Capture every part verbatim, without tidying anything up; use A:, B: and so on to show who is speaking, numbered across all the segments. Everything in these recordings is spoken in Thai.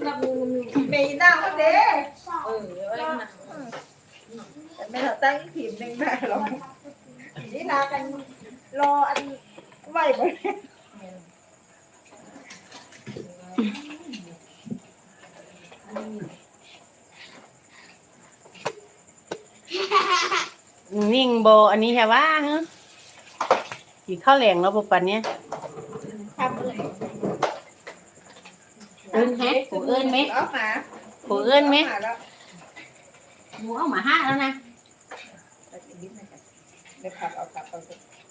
A: กับมือ
B: มีหน้าก็เด้
A: เออไว้นะ
B: แต่ไม่เราตั้งทีมหนึ่งได้หรอกนี่นากันรออันไหวบ่
C: นิ่งโบอันนี้แค่ว่าฮะกี่ข้าวแหลงแล้วปุ๊บปันเนี้ย
B: ทำอะไร
C: เอิ้นแฮะกูเอิ้นไหม
B: ออกมา
C: กูเอิ้นไหมหมูเอามาห้าแล้วนะ
B: เดี๋ยวผัดเอาผัดเอา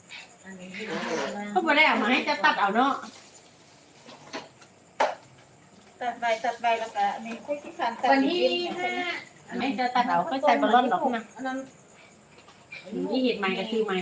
C: เขาไม่ได้เอามาให้จะตัดเอาเนาะ
B: ตัดใบตัดใบแล้วก็นี่คุยที่คันตัด
A: วันที่ห้า
C: ไม่จะตัดเอาก็ใส่บอลลอนดอกนะ
A: อันนั้น
C: นี่เห็ดใหม่ก็ซื้อใหม่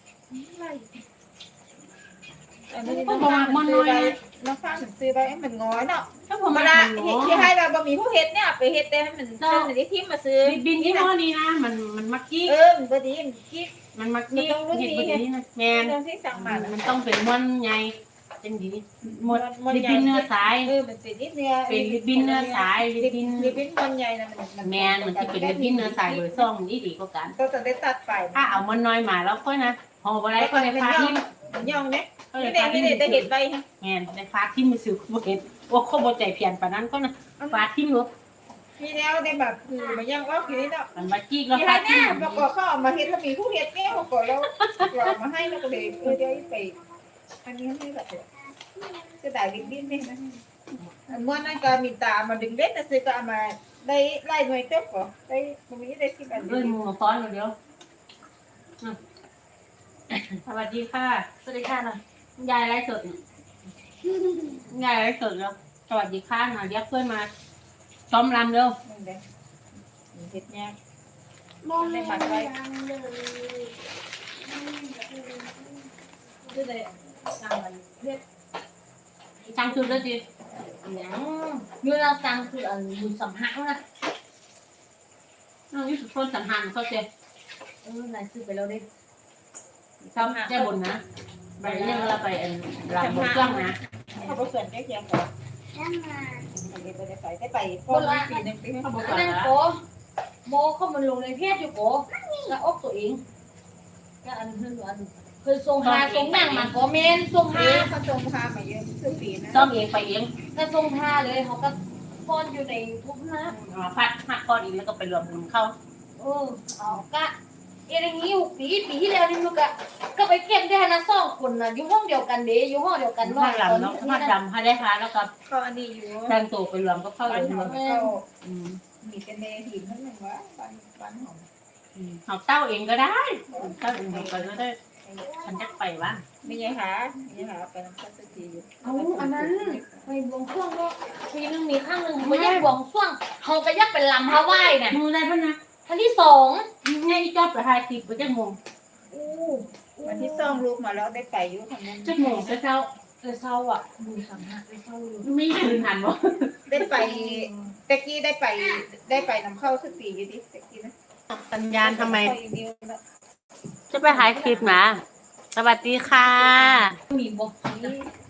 B: อันนี้ต้องฟังมันน้อยน้องฟังถึงซื้อไปให้มันง้อยเนาะ
C: ถ้าผ
B: ธร
C: ม
B: รม
C: มา
B: ดา
C: ได้
B: ที่ให้เราบะหมี่ผู้เฮ็ดเนี่ยไปเฮ็ดแต่ให้มันเป็นอันนี้ที่มาซื้อ
C: บินที่ห้อนี้นะมันมันมักกี้
B: เออมันบ่ดีมันกิ๊ก
C: มันมักกี้เห็ดแบบนี้นะแมน
B: ตรงที่สั่งมา
C: มันต้องเป็นม้วนใหญ่เป็นดีม้วนลิบบินเนื้อสาย
B: เออมันเป็นนิดเนื้อ
C: เป็นลิบบินเนื้อสายลิ
B: ลิ
C: บบิน
B: ลิบบินมันใหญ่นะมัน
C: แมนมันที่เป็นลิบบินเนื้อสายเบอร์ซ่องนี่ดีกว่ากัน
B: ก็จะได้ตัดไป
C: ถ้าเอามันน้อยมาแล้วค่อยนะห่อบ่ได้ก็ในฟ้าทิ่ม
B: มันย่องเนี่ย
C: ก็ใน
B: นี่
C: ฟ้า
B: เด็
C: ทิ่ม
B: นี่เด็จะเห็นใบฮะ
C: แมนในฟ้าทิ่มมือซื้อบ่เห็นว่าเขาบ่ใจเพียนปานนั้นก็นะฟ้าทิ่มรถ
B: มีแนวได้แบบคือมันย่องว่าคือนี่เนาะ
C: มันมาจี้แล้ว
B: ที่
C: ฟ้า
B: ให้
C: ทิ่
B: เนี่ย
C: ม
B: ประกอบเขาเอามาเฮ็ดถ้ามีผู้เฮ็ดเนี่ยเขาก็แล้วเรามาให้แล้วก็เลยเออเดี๋ยวไปอันนี้ให้แบบจะได้ลิบบินเนี่ยนะม้วนนั้นก็มีตามาดึงเล็ดแต่ซื้อก็เอามาได้ไล่หน่วยเต็มก็ได้ตรงนี้ได้ที่แบบ
C: เอ้ยมึงมาฟ้อนเดี๋ยวสวัสดีค่ะ
A: สวัสดีค่ะหน่อย
C: ยายไลฟ์สดยายไลฟ์สดแล้วสวัสดีค่ะหน่อยเรียกเพื่อนมาซ้อมรำเร็ว
B: นั่นเด้เฮ็ดยาก
A: มองในฝันไว้คือเลยสั่งมันเรียก
C: ช่างชุดด้วยดิ
A: อย่างเมื่อเราสั่งคืออันบุญสัมหักนะ
C: น้องยุสุพลสัมพันธ์เขาเจ๊
A: เออนายซื้อไปแล้วดิ
C: ชอบแจ้บนนะไปเรื่องเราไปอันรำบนเครื่องนะ
B: เขาบ่ส่วนแก้เคียงก่อนอันนี้บ่ได้ไปได้ไปพอปีนึงปีนึง
C: เขาบอก
A: อัน
C: ว่า
A: นั้นโกโมเข้ามันลงในเพจอยู่โกแล้วอกตัวเองแล้วอันคืออันเคยส่งหาส่งแม่งมาโกเมนส่ง
B: เอ
A: หา
B: อเขาส่งพามาเยอะคือปีนะ
C: ซ้อมเองไปเอง
A: ถ้าส่งหาเลยเขาก็พอนอยู่ในทุกนะ
C: มาพัดหักก้อนอีกแล้วก็ไปรวมกลุ่มเข้า
A: เออเอากะเอ็งนี้หกปีปีที่แล้วนี่ลูกอะก็ไปเก็บได้นะสองคนนะอยู่ห้องเดียวกันเด้อยู่ห้องเดียวกัน
C: พัดรำเนาะพัดรำพัดได้ค่ะแล้วก็
B: เขาอันนี้อยู่
C: แต่งตัวไปรวมก็เข้า
B: บ้า
C: เล
B: น
C: ย
B: หอม
C: เนาะ
B: เขา
C: อืม
B: มีกันในหินนั่นหนึ่งวะบ้านบ้านหอม
C: เอาเต้าเองก็ได้เต้าเองก็ได้ฉันจะไปว่า
B: มีไงหามีหาไปน้ำข้าวตีอยู่
A: เอาอันนั้นไปบวงช่วงก็ปีนึงมีข้างหนึ่งไม่ยักบวงช่วงเขาก็ยักเป็นลำฮาวายน่ะ
C: ดูได้ปะนะ
A: ท่านที่สอง
C: ไงจอบไปถ่ายคลิปไปจังโมง
A: อู้
B: วันที่ซ่องลูกมาแล้วได้ไปอยู่ทำนั้น
C: จังโมงจะเจ้า
A: เออเศร้าอ่ะดูสัมผัสไปเศร้าอยู่
C: ไม่คืนหันบ่
B: ได้ไปตะกี้ได้ไปได้ไปน้ำเข้าสักปีอยู่ดิตะกี้นะ
C: สัญญาณทำไม จะไปถ่ายคลิปนะสวัสดีค่ะ
A: มีบอก
B: นี่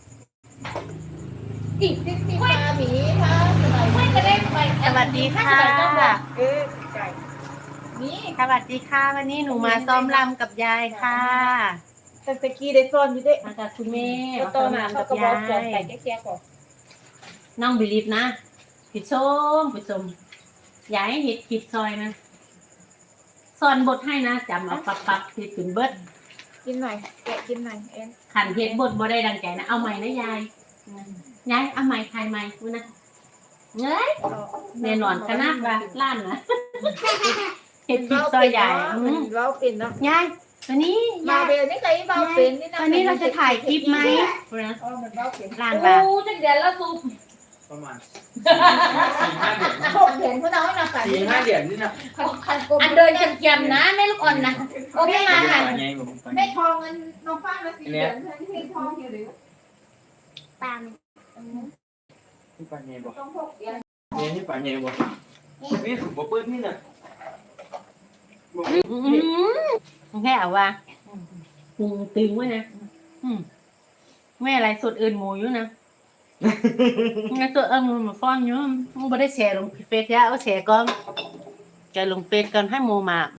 A: อีก
B: ที่ที่มาหมีค่ะสบาย
A: ไม่จะได้ไป
C: สวัสดีค่ะ
B: เออไก่นี่
C: สวัสดีค่ะ วันนี้หนูมาซ้อมรำกับยายค่ะ
B: แต่ตะกี้ได้ซ่อนอยู่ด้วย
C: มาจากคุณแม่
B: แล้ว
C: มา
B: ต่
C: ซ้
B: อ
C: อม
B: มาร
C: ำ
B: เขา
C: กับ
B: ก็บ
C: ยา
B: อกส่วนไก่
C: ย
B: แก่ๆก่อน
C: น้องบิลิฟนะผิดส้มผิดส้มยายเห็ดผิดซอยนะซอนบทให้นะจำเอาปับปับเห็ดขึ้นเบิด
B: กินหน่อยแกะกินหน่อยเอ็น
C: ขันเห็ดบทบ่ได้ดังใจนะเอาใหม่นะยายยายเอาใหม่ทายใหม่กูนะเงยแน่นอนขนาดว่าล้านนะเห็ดผิดซอยยายอืม
B: เว้าเป็นเนาะ
C: ยายวันนี้
B: มาย
C: าย
B: เบลนี่ใครเว้าเป็นนี่นะ
C: วันนี้เราจะถ่ายคลิปไหม
B: อ๋อมันเว้าเป็น
C: ล้านบาท
A: อู้จักเดือนละซุป
D: ประมาณสี่ห้าเหรียญ
B: หกเหรียญเขาน้อยนะค่ะ
D: สี่ห้าเหรียญนี่นะ
A: อันเดินเกียมๆนะแม่ลูกอ่อนนะโอเคมาค่ะ
D: ไงผม
B: ได้ทองเงินน้องฟ้ามาสี่เหรียญที่ให้ทองอยู่หรือ
A: ตาม
D: นี่ปลาเงี้ยบอก
B: ต้องหกเหรียญ
D: เงี้ยนี่ปลาเงี้ยบอกนี่บ่เปิดนี่น่ะ
C: อืมแค่เอาว่าหุงตึงไว้นะอืมแม่อะไรสดอื่นหมูอยู่นะงั้นตัวเอิ้มมาฟ้อนอยู่มึงบ่ได้แชร์ลงเฟซยะเอาแชร์ก่อนแกลงเฟซก่อนให้โมมา